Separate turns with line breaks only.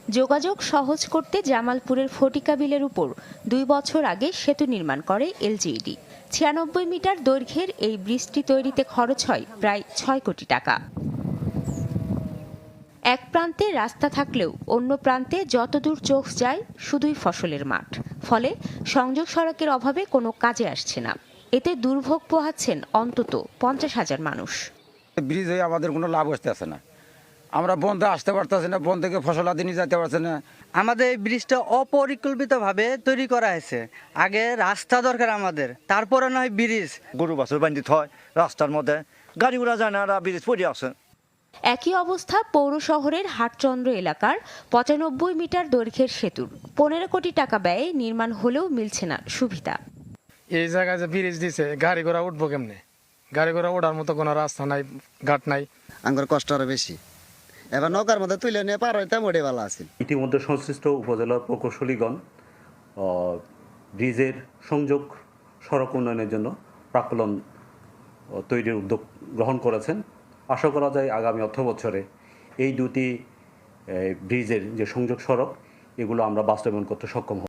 যোগাযোগ সহজ করতে জামালপুরের ফটিকা বিলের উপর ২ বছর আগে সেতু নির্মাণ করে এলজিইডি। ৯৬ মিটার দৈর্ঘ্যের এই ব্রিজটি তৈরিতে খরচ হয় প্রায় ৬ কোটি টাকা। এক প্রান্তে রাস্তা থাকলেও অন্য প্রান্তে যতদূর চোখ যায় শুধুই ফসলের মাঠ। ফলে সংযোগ সড়কের অভাবে কোনো কাজে আসছে না। এতে দুর্ভোগ পোহাচ্ছেন অন্তত ৫০,০০০ মানুষ।
ব্রিজ হয়ে আমাদের কোনো লাভ আসতেছে না। আমরা বন্ধে আসতে পারতেছি না, বন্ধ থেকে ফসল আদি নিয়ে যেতে পারছে না।
আমাদের এই ব্রিজটা অপরিকল্পিতভাবে তৈরি করা হয়েছে। আগে রাস্তা দরকার আমাদের, তারপরে নয় ব্রিজ।
গরু বাছুর বান্ধিত হয় রাস্তার মধ্যে, গাড়ি ঘোড়া যায় না, ব্রিজ পড়ে আছে।
একই অবস্থা পৌর শহরের হাটচন্দ্র এলাকার ৯৫ মিটার দৈর্ঘ্যের সেতুর। ১৫ কোটি টাকা ব্যয়ে নির্মাণ হলেও মিলছে না সুবিধা।
এই জায়গায় যে ব্রিজ দিছে, গাড়ি ঘোড়া উঠবো কেমনে? গাড়ি ঘোড়া ওঠার মতো কোনো রাস্তা নাই, ঘাট নাই।
আমার কষ্ট আরো বেশি। এবার নৌকার মধ্যে তুলে নিয়ে পার হইতে মোটে ভালো আছে।
ইতিমধ্যে সংশ্লিষ্ট উপজেলার প্রকৌশলীগণ ব্রিজের সংযোগ সড়ক উন্নয়নের জন্য প্রাক্কলন তৈরির উদ্যোগ গ্রহণ করেছেন। আশা করা যায় আগামী অর্থবছরে এই দুটি ব্রিজের যে সংযোগ সড়ক এগুলো আমরা বাস্তবায়ন করতে সক্ষম হব।